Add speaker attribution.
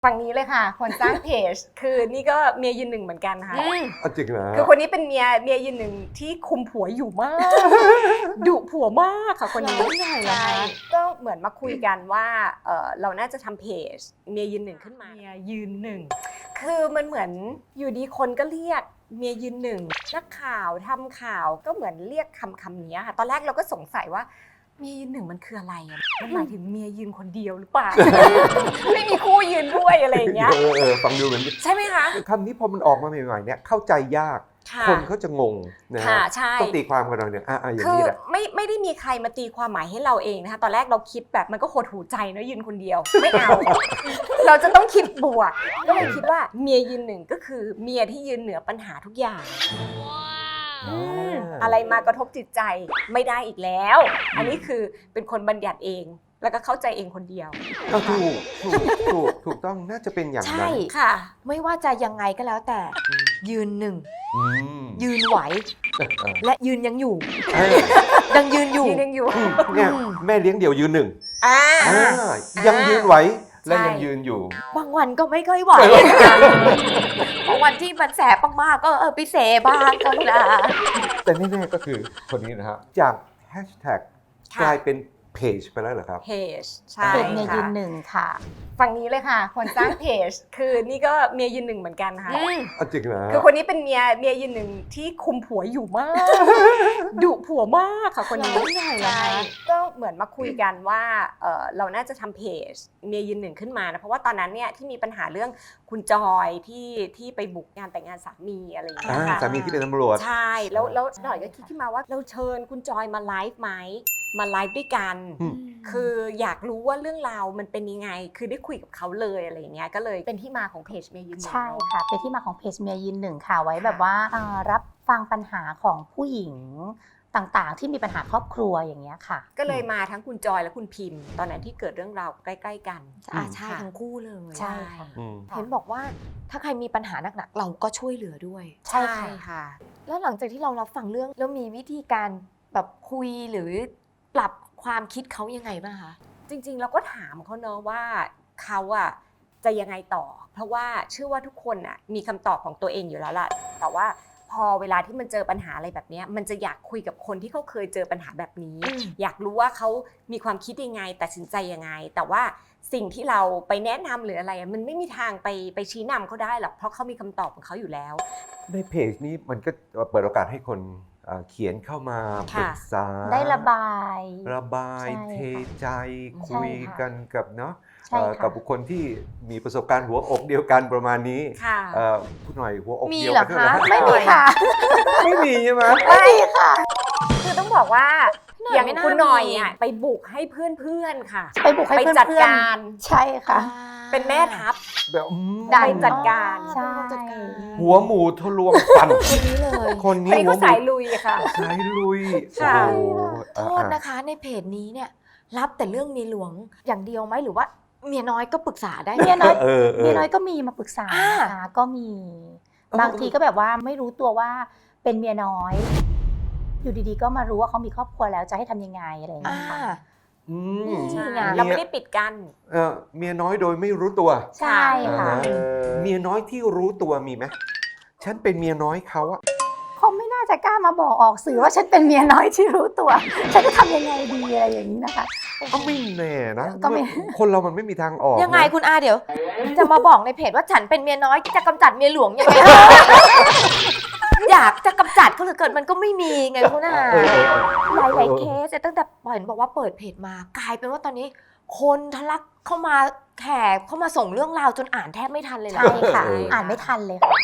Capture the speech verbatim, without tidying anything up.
Speaker 1: ฝั่งนี้เลยค่ะคนสร้างเพจ คือนี่ก็เมียยืนหนึ่งเหมือนกันค่ะ
Speaker 2: อ่ะจริงเหรอ
Speaker 1: คือคนนี้เป็นเมียเมียยืนหนึ่งที่คุมผัวอยู่มาก ดุผัวมากค่ะคนนี้
Speaker 3: ใหญ่เล
Speaker 1: ใช่
Speaker 3: ย
Speaker 1: ก็เหมือนมาคุยกันว่าเออเราน่าจะทำเพจเมียยืนหนึ่งขึ้นมาเมียยืนหนึ่งคือมันเหมือนอยู่ดีคนก็เรียกเมียยืนหนึ่งนักข่าวทำข่าวก็เหมือนเรียกคำคำนี้ค่ะตอนแรกเราก็สงสัยว่าเมียยืนหนึ่งมันคืออะไรอะมันหมายถึงเมียยืนคนเดียวหรือเปล่า ไม่มีคู่ยืนด้วยอะไรอย่างเงี้ย
Speaker 2: เออเออฟังดูเหมือน
Speaker 1: ใช่ไหมคะ
Speaker 2: คำนี้พอมันออกมาใหม่ๆเนี่ยเข้าใจยาก
Speaker 1: ค่ะ
Speaker 2: คนเขาจะงงนะ
Speaker 1: ค่ะ
Speaker 2: ฮะ
Speaker 1: ใช่
Speaker 2: ต้องตีความกันหน่อยเนี่ยอ่ะอ่ะอย่าง
Speaker 1: คือ
Speaker 2: นี้แหละ
Speaker 1: ไม่ไม่ได้มีใครมาตีความหมายให้เราเองนะคะตอนแรกเราคิดแบบมันก็หดหูใจนะยืนคนเดียวไม่เอา เราจะต้องคิดบวกก็เลยคิดว่าเมียยืนหนึ่งก็คือเมียที่ยืนเหนือปัญหาทุกอย่างอืมอะไรมากระทบจิตใจไม่ได้อีกแล้ว อันนี้คือเป็นคนบัญญัติเองแล้วก็เข้าใจเองคนเดียว
Speaker 2: ก็ถูกถูกถูกถูกต้องน่าจะเป็นอย่าง
Speaker 3: ใช่
Speaker 2: นั้น
Speaker 1: ค่ะ
Speaker 3: ไม่ว่าจะยังไงก็แล้วแต่ยืนหนึ่ง
Speaker 2: อืม
Speaker 3: ยืนไหว
Speaker 2: เออ
Speaker 3: และยืนยังอยู่
Speaker 2: เออ
Speaker 3: ยังยืนอยู่
Speaker 1: ยืนยังอยู่
Speaker 2: เนี่ยแม่เลี้ยงเดี่ยวยืนหนึ่ง
Speaker 1: อ่า
Speaker 2: อ่ายังยืนไหวและ
Speaker 1: ใช่
Speaker 2: ยังยืนอยู่
Speaker 3: บางวันก็ไม่ค่อยไหวบางวันที่มันแสบมากๆก็เออไปเสบ้างก็นะ
Speaker 2: แต่แน่ๆก็คือคนนี้นะครับจากแฮชแท็ก
Speaker 1: ค่ะ
Speaker 2: กลายเป็นเพจไปแล้วเหรอครับ
Speaker 1: เพจใช่
Speaker 4: เพจเมียยื
Speaker 1: ค่ะ
Speaker 4: นหนึ่งค่ะ
Speaker 1: ฝั่งนี้เลยค่ะ คนสร้างเพจ คือนี่ก็เมียยืนหนึ่งเหมือนกันค่ะ
Speaker 2: อ่ะจริงเหรอ
Speaker 1: คือคนนี้เป็นเมียเมียยืนหนึ่งที่คุมผัวอยู่มาก ดุผัวมากค่ะคนนี้
Speaker 3: ใหญ่เล
Speaker 1: ใช่
Speaker 3: ย
Speaker 1: ก็เหมือนมาคุยกันว่าเออเราน่าจะทำเพจเมียยืนหนึ่งขึ้นมานะเพราะว่าตอนนั้นเนี่ยที่มีปัญหาเรื่องคุณจอยที่ที่ไปบุกงานแต่งงานสามีอะไรอย่างเงี้
Speaker 2: อ่าย
Speaker 1: ค่ะ
Speaker 2: สามีที่เป็นตำรวจ
Speaker 1: ใช่แล้วแล้วหน่อยก็คิดขึ้นมาว่าเราเชิญคุณจอยมาไลฟ์ไหมมาไลฟ์ด้วยกัน
Speaker 2: อืม
Speaker 1: คืออยากรู้ว่าเรื่องราวมันเป็นยังไง คือได้คุยกับเขาเลยอะไรอย่างเงี้ย ก็เลยเป็นที่มาของเพจเมย์ยืนหนึ่ง
Speaker 4: ใช่ค่ะ เป็นที่มาของเพจเมียยืนหนึ่งค่ะ ไว้แบบว่าเอ่อรับฟังปัญหาของผู้หญิงต่างๆ ที่มีปัญหาครอบครัวอย่างเงี้ยค่ะ
Speaker 1: ก็เลยมาทั้งคุณจอยและคุณพิมพ์ ตอนนั้นที่เกิดเรื่องราวใกล้ๆกัน
Speaker 3: อ่าใช่
Speaker 1: ค่ะ
Speaker 3: ทั้งคู่เลย
Speaker 4: ใช่ค่ะ
Speaker 2: อืม
Speaker 3: เห็นบอกว่าถ้าใครมีปัญหาหนักๆเราก็ช่วยเหลือด้วย
Speaker 4: ใช่
Speaker 1: ใช่
Speaker 4: ค่ะ
Speaker 1: ค่ะ
Speaker 3: แล้วหลังจากที่เรารับฟังเรื่องแล้วมีวิธีการแบบคุยหรือปรับความคิดเขายังไงบ้างคะ
Speaker 1: จริงๆเราก็ถามเขาเนอะว่าเขาอะจะยังไงต่อ เพราะว่าเชื่อว่าทุกคนอะมีคำตอบของตัวเองอยู่แล้วล่ะ แต่ว่าพอเวลาที่มันเจอปัญหาอะไรแบบเนี้ยมันจะอยากคุยกับคนที่เขาเคยเจอปัญหาแบบนี้
Speaker 3: อืม
Speaker 1: อยากรู้ว่าเขามีความคิดยังไงตัดสินใจยังไง แต่ว่าสิ่งที่เราไปแนะนำหรืออะไรอะมันไม่มีทางไปไปชี้นำเขาได้หรอกเพราะเขามีคำตอบของเขาอยู่แล้ว
Speaker 2: ในเพจนี้มันก็เปิดโอกาสให้คนเอ่อเขียนเข้ามาป
Speaker 1: ค่ะ
Speaker 2: รึกษา
Speaker 4: ได้ระบาย
Speaker 2: ระบาย
Speaker 4: ใช่
Speaker 2: เท
Speaker 4: ค่ะ
Speaker 2: ใจ
Speaker 4: ใช่
Speaker 2: คุย
Speaker 4: ค่ะ
Speaker 2: กันกับเนาะ
Speaker 4: ใช่
Speaker 2: เอ่อ
Speaker 4: ค่ะ
Speaker 2: กับบุคคลที่มีประสบการณ์หัวอกเดียวกันประมาณนี้
Speaker 1: ค่ะ
Speaker 2: เอ่อคุณหน่อยหัวอก
Speaker 3: มี
Speaker 2: เดียว
Speaker 3: เหรอ
Speaker 2: กันด้วย
Speaker 3: คะ
Speaker 2: เหรอ
Speaker 4: ไม่มีค่ะ
Speaker 2: ไม่มีใช่ไหม
Speaker 4: ไม่มีค่ะ
Speaker 1: คือต้องบอกว่า
Speaker 3: หน่อย
Speaker 1: อย่าง
Speaker 3: ไม่น่า
Speaker 1: คุณหน่อย
Speaker 3: มี
Speaker 1: อ่ะไปบุกให้เพื่อนๆค่ะ
Speaker 4: ไปบุกให้
Speaker 1: ไป
Speaker 4: เพื่อนๆ
Speaker 1: จัดการ
Speaker 4: ใช่ค่ะ
Speaker 1: เป็นแม่ทัพ
Speaker 2: แบบอืม
Speaker 1: ได้ จัดการ
Speaker 4: ใช่
Speaker 3: จัดการ
Speaker 2: หัวหมูทะลวงฟัน
Speaker 3: คนนี้เลย
Speaker 2: คน
Speaker 1: คน
Speaker 2: นี้
Speaker 1: นี้
Speaker 2: หัว
Speaker 1: เขา
Speaker 2: หมู
Speaker 1: สายลุยค่ะ
Speaker 2: สายลุย
Speaker 1: ค่ะ
Speaker 2: โอ้โห
Speaker 3: โทษนะคะในเพจนี้เนี่ยรับแต่เรื่องเมียหลวงอย่างเดียวไหมหรือว่าเมียน้อยก็ปรึกษาได้ไหม
Speaker 4: เมียน้อย
Speaker 2: เออเออ
Speaker 4: เมียน้อยก็มีมาปรึกษา
Speaker 3: อ่า
Speaker 4: นะคะก็มี บางทีก็แบบว่าไม่รู้ตัวว่าเป็นเมียน้อย อยู่ดีๆ ก็มารู้ว่าเขามีครอบครัวแล้วจะให้ทำยังไงอะไรอย่าง
Speaker 3: อ่า
Speaker 4: เงี้ยค่ะ
Speaker 2: อืม
Speaker 3: นี่
Speaker 1: ใช่
Speaker 3: ไง
Speaker 1: เราไม่ได้ปิดกั้น
Speaker 2: เอ่อเมียน้อยโดยไม่รู้ตัว
Speaker 4: ใช่ค่ะ
Speaker 2: อ่าเมียน้อยที่รู้ตัวมีไหมฉันเป็นเมียน้อยเขาอะ
Speaker 4: เขาไม่น่าจะกล้ามาบอกออกสื่อว่าฉันเป็นเมียน้อยที่รู้ตัว ฉันจะทำยังไงดีอะไรอย่างนี้นะคะ
Speaker 2: ก็ไม่แน่นะ
Speaker 4: ก็ไม่
Speaker 2: คนเรามันไม่มีทางออก
Speaker 3: ยังไง
Speaker 2: นะ
Speaker 3: คุณอาเดี๋ยว จะมาบอกในเพจว่าฉันเป็นเมียน้อยจะกำจัดเมียหลวงยังไง อยากจะกำจัดก็เหลือเกินมันก็ไม่มีไงคุณอา
Speaker 2: เออเออเออ
Speaker 3: หลายหลายๆเคสเนี่ยตั้งแต่เห็นบอกว่าเปิดเพจมากลายเป็นว่าตอนนี้ คนทะลักเข้ามาแขกเข้ามาส่งเรื่องราวจนอ่านแทบไม่ทันเลยนะ
Speaker 4: ใช่ค่ะ อ่านไม่ทันเลยค่ะ